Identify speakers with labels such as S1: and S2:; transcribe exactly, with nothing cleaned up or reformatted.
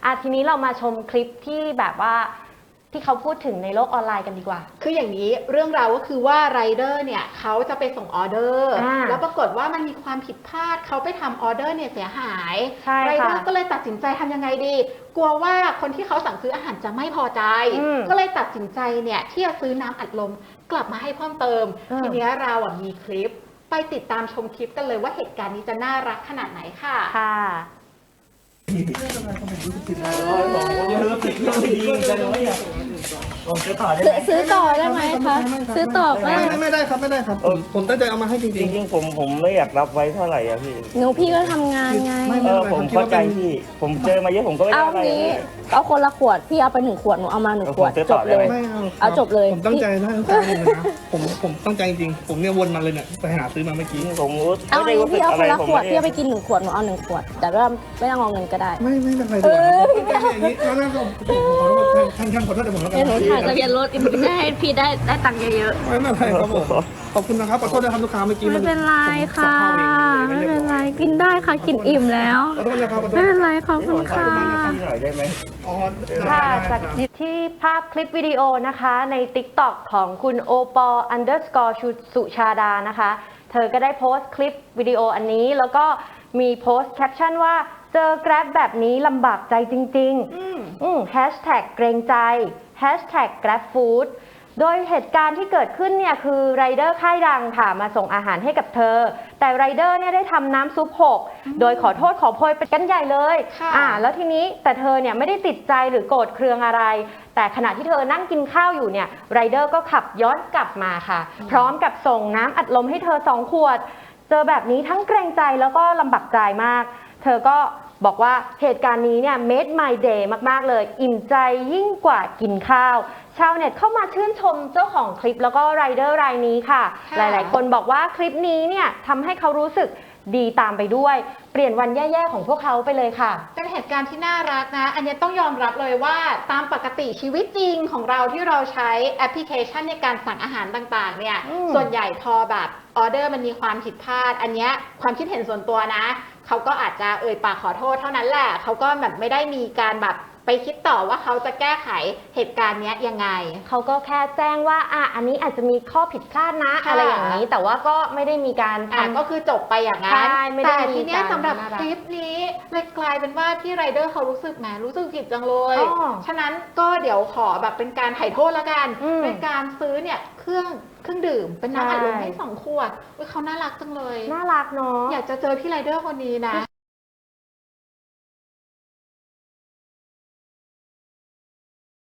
S1: อ่ะทีนี้เรามาชมคลิปที่แบบว่าที่เขาพูดถึงในโลกออนไลน์กันดีกว่า
S2: คืออย่างนี้เรื่องราวก็คือว่าไรเดอร์เนี่ยเขาจะไปส่งออเดอร์แล้วปรากฏว่ามันมีความผิดพลาดเขาไปทำออเดอร์เนี่ยเสียหายไรเดอร์ก็เลยตัดสินใจทำยังไงดีกลัวว่าคนที่เขาสั่งซื้ออาหารจะไม่พอใจก็เลยตัดสินใจเนี่ยที่จะซื้อน้ำอัดลมกลับมาให้เพิ่มเติมทีนี้เราอ่ะมีคลิปไปติดตามชมคลิปกันเลยว่าเหตุการณ์นี้จะน่ารักขนาดไหนค่ะ
S1: ค่ะ
S3: ซื้อต่อได้ไหมคะซื้อต่อ
S4: ไม่ไม่ได้ครับไม่ได้ครับผมผมตั้งใจเอามาให้จริงจริง
S5: ผมผมไม่อยากรับไว้เท่าไหร่อะพี่
S3: หนูพี่ก็ทำงานไง
S5: เออผมเข้าใจพี่ผมเจอมาเยอะผมก็ไม่ได้อะไร
S3: เอาคนละขวดพี่เอาไปหนึ่งขวดหนูเอามาหนึ่งขวดจบเลยเอาจบเลย
S4: ผมตั้งใจนะตั้งใจเลยนะผมผมตั้งใจจริงผมเนี่ยวนมาเลยเนี่ยไปหาซื้อมาเมื่อกี้
S5: ผม
S3: เอาไงพี่เอาคนละขวดพี่เอาไปกินหนึ่งขวดหนูเอาหนึ่งขวดแต่ว่าไม่ต้องเอาเงินก็ได้
S4: ไม่ไม่เป็นไรเลยอย่างนี้แล้วผมขอโทษท่านท่านขอโทษแต่ผมแล้วกัน
S3: หนูถ่ายทะเบียนรถอิมได้ให้พี่ได้ได้ตังค์เยอะ
S4: ๆไม่เป็นไรครับผมขอบคุณนะครับขอโทษนะครับลูกค้าเมื่อกี้
S3: ไม่เป็นไรค่ะไม่เป็นไรกินได้ค่ะกินอิ่มแล้วไม่เป็นไรขอบคุณค่ะ
S1: ค่ะจากที่ภาพคลิปวิดีโอนะคะใน ติ๊กต็อก ของคุณโอปอ underscore สุชาดานะคะเธอก็ได้โพสต์คลิปวิดีโออันนี้แล้วก็มีโพสต์แคปชั่นว่าเจอ Grab แบบนี้ลำบากใจจริงๆแฮชแท็กเกรงใจแฮชแท็ก Grab Food โดยเหตุการณ์ที่เกิดขึ้นเนี่ยคือไรเดอร์ค่ายดังค่ะมาส่งอาหารให้กับเธอแต่ไรเดอร์เนี่ยได้ทำน้ำซุปหกโดยขอโทษขอโพยเป็นกันใหญ่เลยอ่าแล้วทีนี้แต่เธอเนี่ยไม่ได้ติดใจหรือโกรธเคืองอะไรแต่ขณะที่เธอนั่งกินข้าวอยู่เนี่ยไรเดอร์ก็ขับย้อนกลับมาค่ะพร้อมกับส่งน้ำอัดลมให้เธอสองขวดเจอแบบนี้ทั้งเกรงใจแล้วก็ลำบากใจมากเธอก็บอกว่าเหตุการณ์นี้เนี่ย made my day มากๆเลยอิ่มใจยิ่งกว่ากินข้าวชาวเน็ตเข้ามาชื่นชมเจ้าของคลิปแล้วก็ไรเดอร์รายนี้ค่ะหลายๆคนบอกว่าคลิปนี้เนี่ยทำให้เขารู้สึกดีตามไปด้วยเปลี่ยนวันแย่ๆของพวกเขาไปเลยค่ะ
S2: เป็นเหตุการณ์ที่น่ารักนะอันนี้ต้องยอมรับเลยว่าตามปกติชีวิตจริงของเราที่เราใช้แอปพลิเคชันในการสั่งอาหารต่างๆเนี่ยส่วนใหญ่พอแบบออเดอร์มันมีความผิดพลาดอันนี้ความคิดเห็นส่วนตัวนะเขาก็อาจจะเอ่ยปากขอโทษเท่านั้นแหละเขาก็แบบไม่ได้มีการแบบไปคิดต่อว่าเขาจะแก้ไขเหตุการณ์นี้ยังไง
S1: เขาก็แค่แจ้งว่าอ่ะอันนี้อาจจะมีข้อผิดพลาดนะอะไรอย่างนี้แต่ว่าก็ไม่ได้มีการ
S2: อ่ะก็คือจบไปอย่างนั้นแต่ทีนี้สำหรับคลิปนี้เลยกลายเป็นว่าพี่ไรเดอร์เขารู้สึกแหมรู้สึกผิดจังเลยฉะนั้นก็เดี๋ยวขอแบบเป็นการไถ่โทษแล้วกันเป็นการซื้อเนี่ยเครื่องเครื่องดื่มเป็นน้ำอัดลมให้สองขวดเขาน่ารักจังเลย
S1: น่ารักเนาะ
S2: อยากจะเจอพี่ไรเดอร์คนนี้นะ